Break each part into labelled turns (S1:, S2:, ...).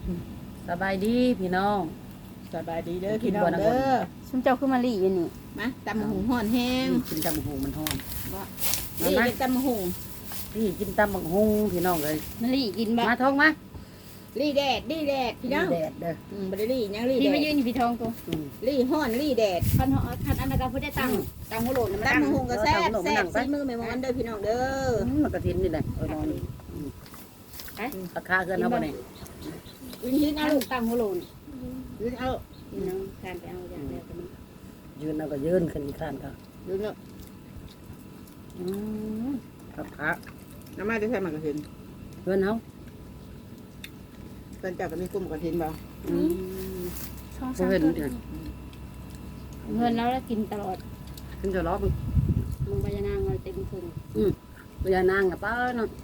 S1: สบายดีพี่น้อง
S2: สบายดีเด้อพี่น้องเด้อ
S3: ชุมเจ้าขึ้นมาลีอยู่นี่
S2: มาตำหุงห่อนแห้ง
S1: กินตำบักหุงมันฮ้อน
S2: นี่เป็นตำหุง
S1: พี่กินตำบักหุงพี่น้องเลย
S3: มาลีกินบ่
S1: มาท้องมา
S2: รีแดดพี่น้อง
S1: แดดเด้อ
S2: บ่ได้รีหยังรี
S3: พี่
S2: แด
S3: มา
S2: ด
S3: ยืนอยู่พี่ทองตัว
S2: รีห่อนรีแดด
S3: คันอันนั้นก็พูดได้ตังค์ตังค์หัวโหลนมาตัง
S2: ตำ
S3: ค์
S2: หุงก็แซ่บซีมือแม่มอนเด้อพี่น้องเด้อ
S1: มันกระทินนี่แหละนอนราคาเกินเอาบ่เนี่ย
S2: ยืนเอาลูก
S3: ตังค์หัวโหลน
S2: ยืนเอา
S3: พี่น้องทานไปเอาอย่างเดียวกัน
S1: ยืนเอาก็ยืนขึ้นอีกข้างก็
S2: ยืนเอา
S1: ราคา
S2: น้ำมาจะใส่หมากกระถิน
S1: เพื่อนเขา
S2: เพิ่นเจ้าก็มีกลุ่มกระถินบ่
S1: เพื่อนเนี่ย
S3: เงินแล้วกินตลอด
S1: ขึ้นจะล้อ
S3: ลงไปยานางเลยเต็มถึง
S1: พญานางกับป้าเนาะ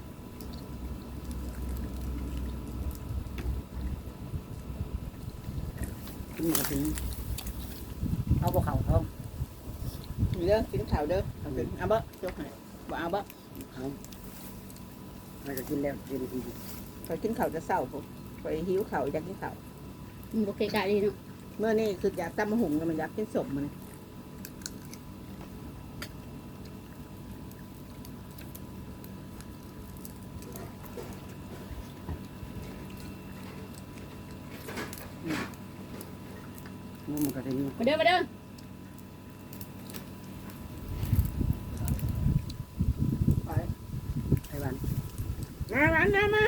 S1: กินกระทินเอาบ่เข่าท้อง
S2: เด้อกินข้าวเด้อเอาบ่ยกให้บ่เอาบ่
S1: เอามันก็กินแล้วกินอีก
S2: เขากินข้าวจะเศร้าผมไปหิวข้าวอยากกินข้าว
S3: โอเคกะดีเนาะ
S2: เมื่อนี่คืออยากตำหุงมันอยากกินสมมัน
S1: มันกระทิน
S3: มาเด้อมาเด้อ
S1: ไอ้บ้าน
S2: มา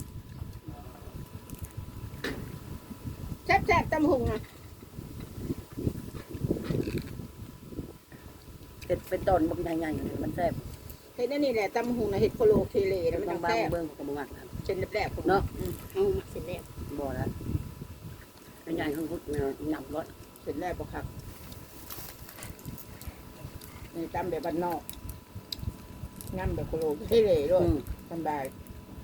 S2: แซ่บตำหุงอ่ะ
S1: เห็ดเป็นต้นบางใหญ่ๆมันแซ่บ
S2: เห็ดนี่แหละตำหุงนะเห็ดโคโลเคเลแล้วมัน
S1: บาง
S2: แซ่บ
S1: ๆเบื้องของบางอัน
S2: เป็นแรกๆผม
S1: เนาะ
S3: เอามาเสร็จแล้ว
S1: บ่แล้วใหญ่ๆข้างพุทธเนี่ยหนักรถ
S2: เป็นแรกปะครับนี่ตำแบบบ้านนอกงั้นแบบโคโลเคเลด้วยสบาย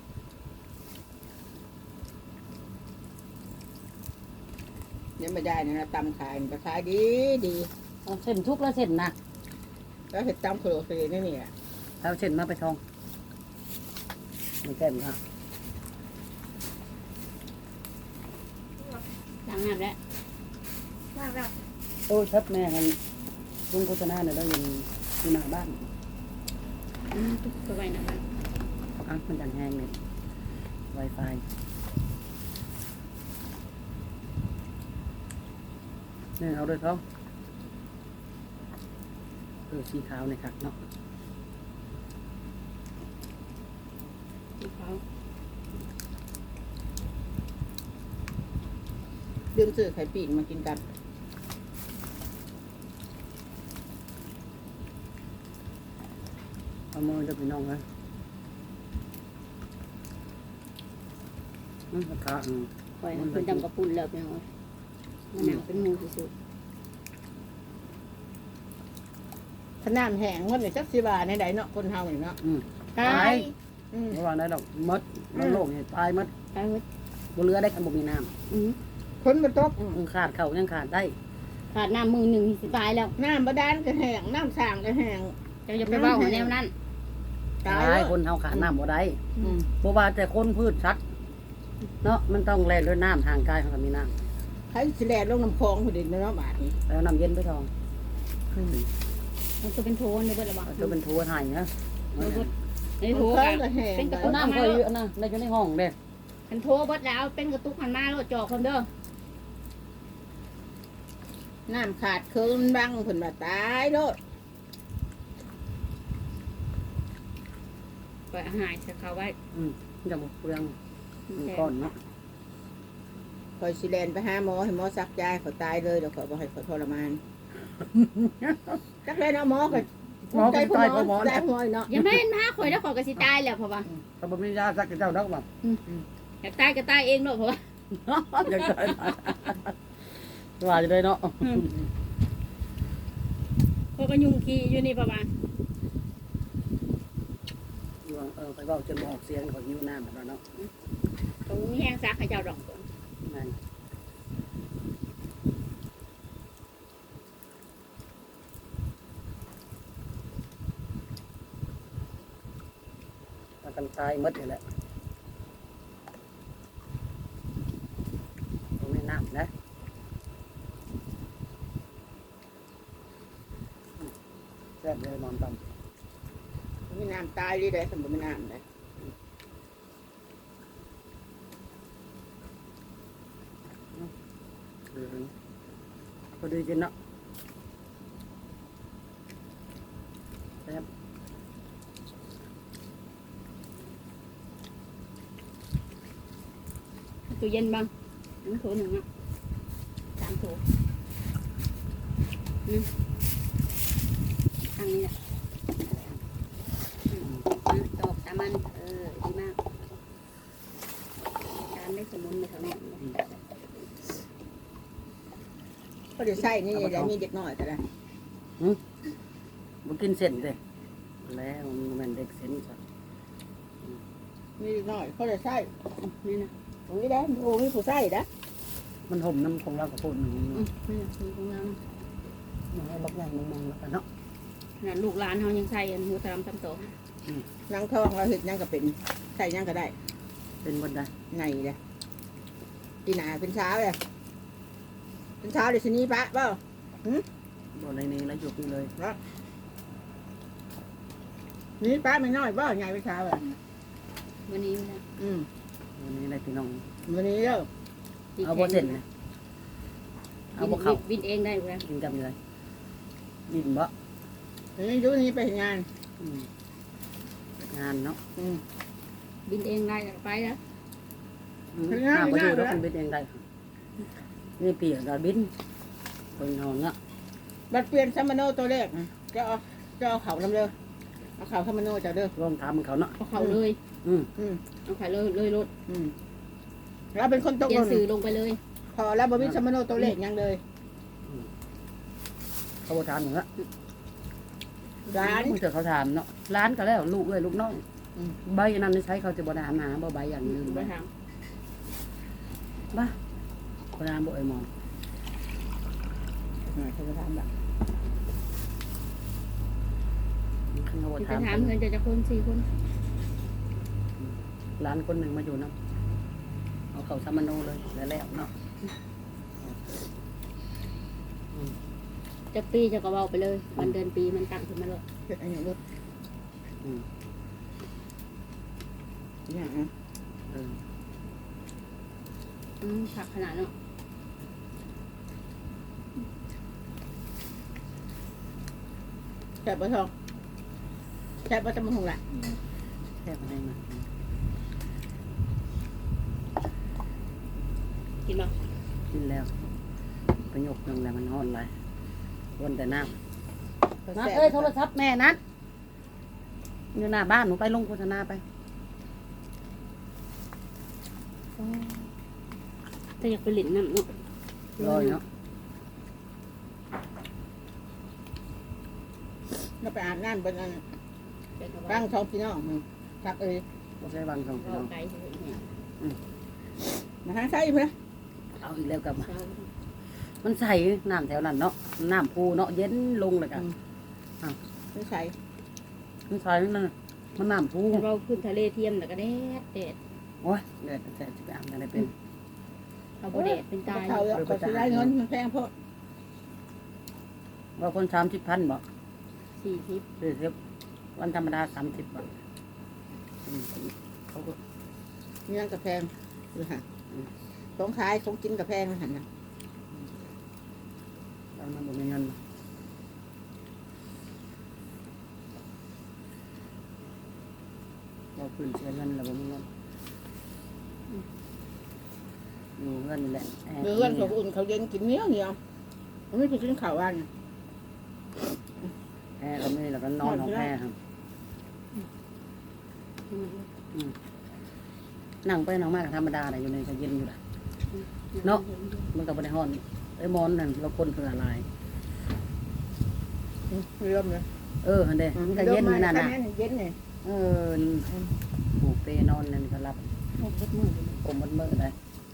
S2: เนี่ยไม่ได้นะตำขายมันก็ขายดี
S1: เอาเส้นทุกแล้วเส้นนะ
S2: แล้วเห็ดตำโคโลเคเลนี่เนี่ย
S1: เอาเส้นมาไปทองไม่แก้มค่ะ
S3: ล้างน้ำแล้ว
S1: โอ้ชัดแม่กันลุงโฆษณาเนี่ยเราอยู่หน้าบ้าน
S3: ตุ๊กไปไว้นะบ้าน
S1: อ่ะมันจังแห้งเนี่ย Wi-Fi เนี่ยเอาด้วยเขาสีขาวเนี่ยครับเนาะ
S3: เขา
S2: ดื่มซื้อไข่ปีกมากินกัน
S1: เอามือจะไปน้องเลยราคา
S3: ปล่อยคุณดำกระปุ่นแล้วไปเอาหนังเป็นมูสุด
S2: ขนาดแห้งวันนี้สักสิบาทในใดเนาะคนเฮานี่เนาะ
S3: ตาย
S1: ระหว่างนั้นดอกมดโลกเนี่ยตายมด
S3: ตายหมด
S1: บนเรือได้กันบ่มีน้
S2: คนมันตก
S1: ำขาดเขายังขาดได้
S3: ขาดน้ำมือหนึ่งสิตายแล้ว
S2: น้ำบาดาลก็แห้งน้ำสร้างก็แห้ง
S3: จะไปเบ้าหัวแนวนั้น
S2: ตาย
S1: ตาย
S2: แล้ว
S1: คนเฮาขาดน้ำบ่ได้เพราะว่าแต่คนพืชสัตว์เนาะมันต้องแล่นด้วยน้ำทางกายเขาก็มีน้
S2: ใครสิแลลงน้ำคลองพอดีเนาะบาดนี้
S1: ำแล้วน้ำเย็นไปทอง
S3: มันจะเป็นโทนในเบิดระบาด
S1: จะเป็นทัวร์ไทยนะ
S3: ในโท
S2: คล
S3: กั
S2: อง
S3: น
S2: ก็แห้ง
S3: เป็นกระ
S1: เอา
S3: ตุก
S1: น้ำเคยอยู่นะในอยู่ในห้องเด้
S3: เป็นโทเบิดแล้วเป็นกระตุกหันมาแล้วจอกคนเด้อ
S2: น้ำขาดเคินบังผลมาตายโลด
S3: ปล่อยอาหารจะเขาไว้
S1: จะบ่เปลืองก้อนเนาะ
S2: คอยสิแลนไปหาหมอให้หมอซักยาเขาตายเลยเดี๋ยวขอบ่ให้เขาทรมานจักเลยเนาะหมอก็
S1: หมอก็ตายเพราะหมอ
S2: ได้
S1: เนี่ย
S2: หมอเนาะ
S3: ยังไม่เห็นมาข่อยแล้วข่อยก็สิตายแล้วเพราะว่า
S1: เขาบ่มียาสักเจ้าดอกบ่
S3: อยากตายก็ตายเองเนาะเพราะว่า
S1: อยากได้ว่าจะได้เนาะ
S3: ข่อยก็ยุ่งขี้อยู่นี่ประมาณ
S1: ไปเว้าจนบ่ออกเสียงเขาหิวน้ำแบบนั้นเนาะ
S3: ตรงนี้แห้งซักให้เจ้าดอก
S1: นั่นกันตายหมดนี่แหละำนะแซ่บเลยนอนตำ
S2: มีน้ำตายเลยได้สมบูรณ์น้ำเลย
S1: พอดีกินเนาะแซ่บ
S3: ตู้เย็นบ้างน้ำโถหนึ่งอ่ะ3 โถทางนี้แหละตอกตามันดีมากตามได้สมุนเลยค่ะแม่
S2: ก็เดี๋ยวใส่นี่เดี๋ยวมีเด็กน้อยก็ได้
S1: บ่กินเส้นเลยแล้วมันเด็กเส้นจ้ะ
S2: มีเด็กน้อยเขาเดี๋ยวใส่
S3: นี่นะ
S2: ตรงนี้ได้โอ้มีผู้ใส่นะ
S1: มันห่มน้ำของเรากับปุ่น
S3: นี่นะคือของเรา
S1: มันให้บักใหญ่มองๆแล้วกันเนาะ
S3: น่ะลูกหลานเขายังใส่อันหัวตามตำโต
S2: นางทองเราเห็ดยังก็เป็นใส่ยังก็ได้
S1: เป็นบนใด
S2: ไงเลยตีหนาเป็นเช้าเลยเป็นเช้าเดี๋ยวชนี้ปะเปล่า
S1: บ่ในนี้แล้วหยุดนี่เลย
S2: นี่ป้าไม่น้อยเปล่าไงเป็นเช้าเลย
S3: วันนี้นะ
S1: วันนี้อะไรพี่น้อง
S2: วันนี้เด้อ
S1: เอาบ่เส้นนะเอาบ่เข้า
S3: วินเองได้แล้ว
S1: กินกับอะไรดินบ่
S2: วันนี้ยุนี้ไปงาน
S1: งานเนาะ
S3: วินเองได้ไปแล้ว
S1: หาประโยชน์แล้วคุณบินเองได้นี่เปียกกับบินเป็นนอนเนาะ
S2: บัดเปลี่ยนซัมมาโนตัวเลขจะเอาเขาลำเด้อเอาเขาซัมมาโนจะเด้อ
S1: ลองถามเขาเนาะ
S3: เอาเขาเลย เอาเขาเลยรถ
S2: เราเป็นคนตก
S3: เขีย
S2: ล
S3: น
S2: ง
S3: สื่อลงไปเลย
S2: พอแล้วบวิซัมมาโนตัวเลขยังเลย
S1: เขาบ่ถามหนูละ
S2: ร้าน
S1: มึงเจอเขาถามเนาะร้านก็แล้วลูกเอ้ยลูกน้องใบนั้นใช้เขาจะบ่ได้หาบ่ใบอย่างนึง
S3: ไปถาม
S1: บ้าบ่ได้บ่ไอ้มอง
S2: เขาจะทำแบบ
S1: เขาบ่
S3: ไป
S1: ถาม
S3: ถามเงินจะคน4 คน
S1: ร้านคนหนึ่งมาอยู่เนาะเอาเขาซัมมโนเลยแล้วเนาะ
S3: จะปีจะกระเบาไปเลยวันเดือนปีมันตั้งขึ้นมาเลย
S2: เกิดอะไรอย่างนี้อย่าง
S3: ผักขนาดเนาะ
S2: แซ่บปะทองแซ่บปะจำหงแหละ
S1: แค่อะไรมา
S3: กินบ่
S1: กินแล้วประโยคนึงแล้วมันฮ้อนไรวนแต่น้ำนัดเอ้ยโทรศัพท์แม่นัดอยู่หน้าบ้านหนูไปลงโฆษณาไป
S3: แต่อยากไปหลินน้ำเนาะ
S1: รอยเนาะ
S2: เราไปอาบน้ำบนนั้น
S3: เดี๋ยวเขา
S2: ร่างทองพี่น้องทักเอ้ย
S1: บ่ใช่บางสองพี่
S3: เรา
S1: น้อง
S3: ไกลเฉยๆเนี่ย
S2: มาหาใส่เพื่อ
S1: เอาอีกแล้วกลับมา
S3: เรา
S1: มันใส่น้ำแถวนั้นเนาะน้ำพูเนาะเย็นลงเลยกัน
S2: ไม่ใส่
S1: มันใส่นั่นน่ะมันน้ำพู
S3: เราขึ้นทะเลเทียมแต่ก็แดด
S1: โอ้ยเดือดแต่จะไปอาบน้ำอะไรเป็น
S3: เอาบ่แดดเป็นตาย
S2: เขาเขาซื้อได้เงินมันแพงเพราะ
S1: ว่าคน30,000บอก
S3: 40
S1: วันธรรมดา30 บาทเขาก็
S2: เงินกับแพงคือฮะของขายของกินกับแพงหันนะ
S1: เรามันบ่มีเงินเราคืนเสียเงินเราบ่มีเงินอยู่เงินนี่แหละ
S2: เงินของอุ่นเขาเย็นกินเนี้ยมันไม่ไปกินข้าววัน
S1: แพ้เราไม่เราก็นอนของแพ้ครับนั่งไปนั่งมากธรรมดาเลยอยู่ในก็เย็นอยู่แหละเนาะมันก็บ่ได้ฮ้อนไอ้มอนนั่นเราคนเผื่อลาย
S2: เริ่มเลย
S1: อันเด้มันก็เย็นนั่นน่ะ
S2: เย็นเนี่ย
S1: ปลูกเปนอนนั่นก็รับ
S3: หกมือ
S1: ผมมันมือได้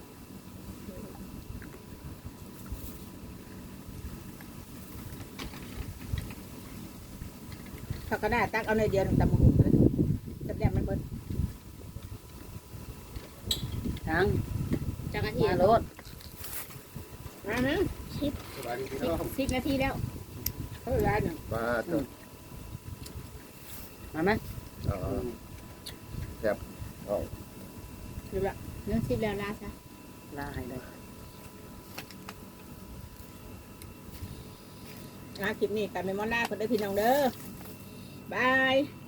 S2: เขาก็ได้ตักเอาในเดียวตำหุ่นเลยตำแดงมันเบิด
S1: ทั้ง
S3: จักรเทีย
S1: มาม รถ
S2: มานะ
S4: สบายดีพี่น้อง
S3: 10 นาทีแล้ว
S2: เขาร้านเนี่ย
S4: มาเถอะ
S1: มาไหม
S4: แซ่บเอา
S2: ดูละ
S3: เรื่อง10แล้วลาซะ
S1: ลาให้เลย
S2: คลิปนี้กันเป็นมอลล่าคนได้อพี่น้องเด้อบาย